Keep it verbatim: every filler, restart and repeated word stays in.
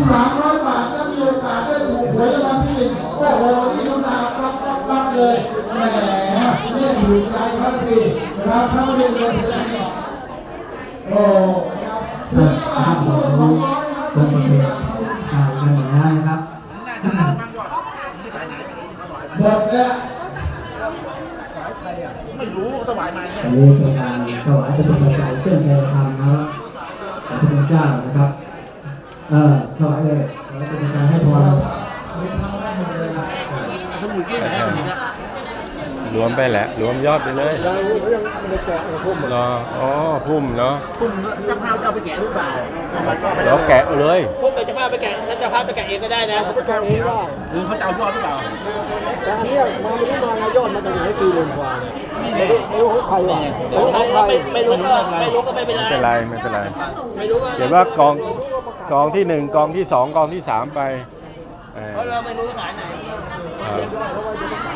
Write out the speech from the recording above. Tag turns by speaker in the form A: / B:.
A: สามร้อยบาทถ้ามีโอกาสได้ถูกหวยรางวัลที่หนึ่งโอ้โหนี่น้ำตาปั๊บปั๊บปั๊บเลยแหมเล่นถูกใจครับพี่นะครับถ้าไม่ได้เงินเลยโอ้ถึงตลาดตัวสองร้อยครับตรงนี้อ่ากันหมดแล้วนะครับหมดแล้วไม่รู้ถวายมาเนี่ยอันนี้เป็นการถวายเป็นปัจจัยเครื่องแกงทำนะครับพระพุทธเจ้านะครับเออถวายเลยเป็นการให้พร
B: รวมไปแหละรวมยอดไปเลย
A: ยังยังไม่ได้แกะพุ่ม
B: รออ๋อพุ่มเนาะ
A: พุ่มเจ้าภาพจะเอาไปแกะหรือเปล่า
B: เราแกะเลย
C: พุ่มเจ้าภาพไปแกะถ้าเจ้าภาพไปแกะเองก็ได้นะ
A: เขาไปแกะเองได้
D: หรือเขาจะเอายอดหรือเปล่า
A: แต่อันนี้มาไม่รู้มายอดมาจากไหนสี่หมื่นกว่าเนี่ยไม่รู้ไม่รู้ของใครวะไม่รู้ของใคร
C: ไม่รู้ก็ไม่รู้ก็ไม่เป็นไร
B: ไม่เป็นไรไม่เป็นไร
C: ไม่รู้ก็
B: เดี๋ยวว่ากองกองที่หนึ่งกองที่สองกองที่สามไป
C: เพราะเราไม่รู้สายไหน